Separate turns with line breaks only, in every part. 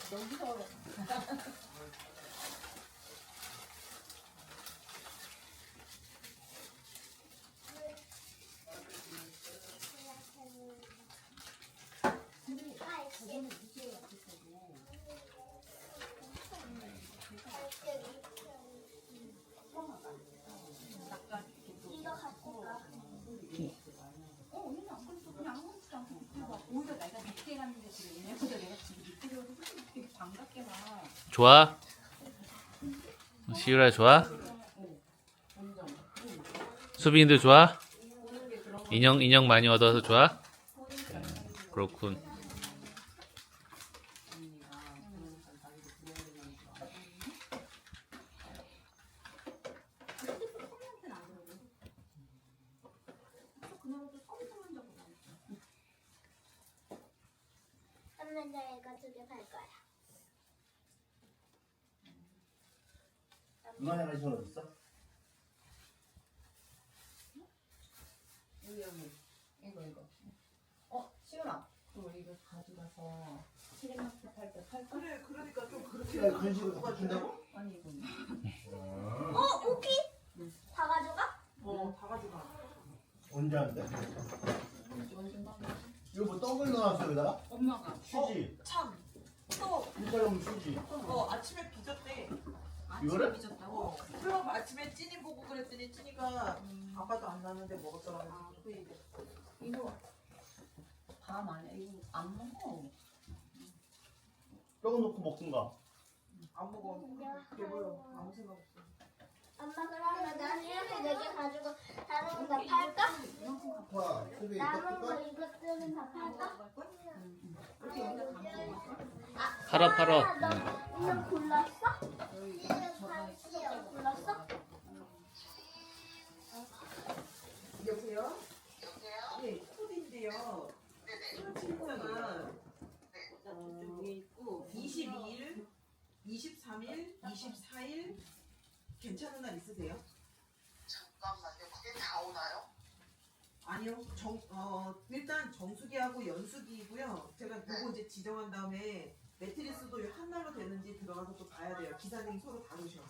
여기서
이거 갖고 가.
얘는 안 그래도 그냥 아무렇지도 않고 그리고 오히려 내가 늦게 갔는데 지금 얘네보다 내가 지금 늦게 가서 되게 반갑게 봐.
좋아? 시유라 좋아? 수빈이도 좋아? 인형 많이 얻어서 좋아? 그렇군.
엄마 나 이거 2개 팔 거야.
엄마랑 같이 어디 있어?
이거. 시연아, 너 이거 가져가서 시리마트 팔 때 팔까?
그래, 그러니까 좀 그렇게
야, 간식을 갖다 준다고?
아니 이거는.
오키? 다 가져가?
다 가져가.
언제 한대?
완전 막
이거 뭐 떡을 넣어놨어 여기다가?
엄마가
수지.
참. 또
밀가루 수지.
아침에 빚었대.
이거를?
아침에 빚었다고?
그럼 아침에 찐이 보고 그랬더니 찐이가 아빠도 안 나는데 먹었더라고.
아, 그래 이거 밤 안에 이거 안 먹어.
떡을 넣고 먹든가.
안 먹어. 배불러. 아무 생각 없어.
엄마 그러면 난 이렇게 4개 가지고 다른 거 다 팔까?
와, 수비
남은 거
떡
이것들은 다 팔까?
이렇게 여기다 담고
팔어.
너 이거 골랐어? 이거 골랐어?
여보세요? 네, 코드인데요. 친구가 여기 있고 22일, 23일, 24일 괜찮은 날 있으세요?
잠깐만요. 그게 다 오나요?
아니요. 일단 정수기하고 연수기이고요. 제가 그거 이제 지정한 다음에 매트리스도 한 날로 되는지 들어가서 또 봐야 돼요. 기사님이 서로 다루셔.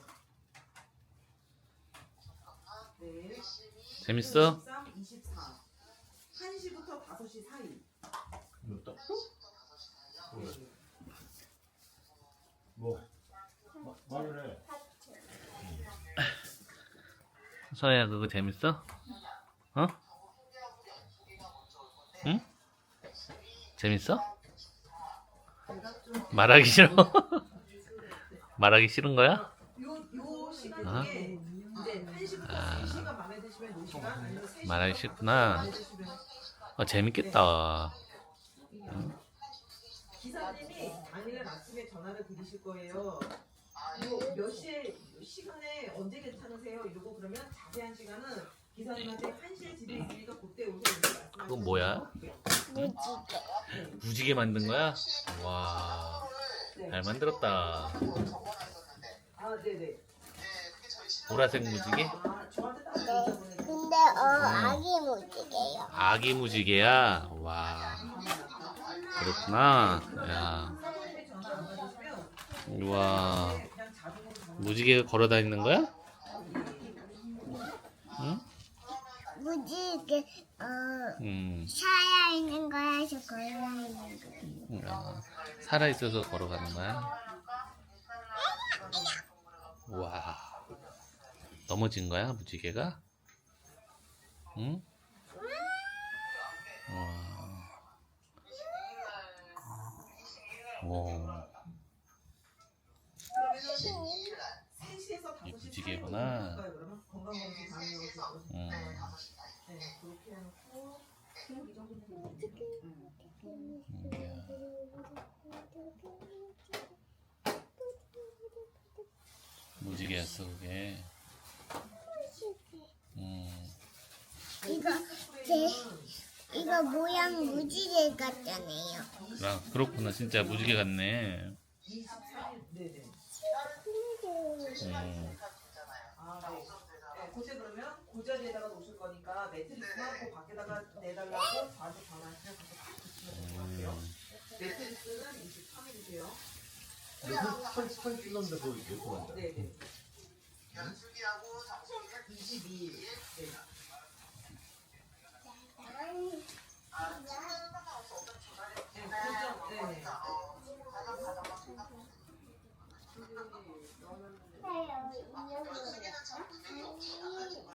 네.
22,
재밌어?
23, 24. 1시부터 5시 사이.
이거 떡?
1시부터 5시 사이요?
네.
뭐? 말을 해.
서야 그거 재밌어? 어?
정수기하고 연수기가 먼저 올 건데
응?
재밌어?
말하기 싫어? 말하기 싫은 거야?
요 시간
아.
중에 이제 1시부터
아.
3시가 마음에 드시면 4시간 아니면 3시간
말하기 싫구나. 재밌겠다.
기사님이 당일날 아침에 전화를 드리실 거예요. 몇 시간에 언제 괜찮으세요? 이러고 그러면 자세한 시간은 기사님한테 1시에 집에 있으니까 그때 오세요. 이렇게 말씀하시면
그건 뭐야? 무지개 만든 거야? 와, 잘 만들었다.
적어놨었는데
네네.
네, 그게 저희 신랑
보라색 무지개?
저한테 따로 문자 보내주세요.
근데 아기 무지개요.
아기 무지개야? 와, 그렇구나. 야,
사모님이 전화 안 받으시면
우와,
그냥 자동으로 전화
무지개가 걸어 다니는 거야? 응?
무지개 살아 있는 거야, 저 걸어 있는 거.
살아 있어서 걸어가는 거야? 와, 넘어진 거야 무지개가? 응? 와, 오,
그러면은 3시에서 5시
이 무지개구나.
그러면 건강검진 가능하실 거예요. 네, 그렇게 해놓고
그냥 이 정도면 돼.
무지개였어 그게.
이거 모양 무지개 같잖아요.
그렇구나. 진짜 무지개 같네.
23일 네네. 아, 네. 네, 그때 그러면 그 자리에다가 놓으실 거니까 매트리스만 그 밖에다가 내달라고 저한테 전화하시면 가서 딱 붙이면 될 것 같아요. 매트리스는 23일이세요.
선 찔렀는데 그거 예쁘 간다.
네네.
연수기하고 정수기는
22일. 네.
아, 지금 상관없어. 어차피 조사를
네, 그죠? 네.
거니까 가장 가져가.
해요.
연수기는 참 금액이 없어.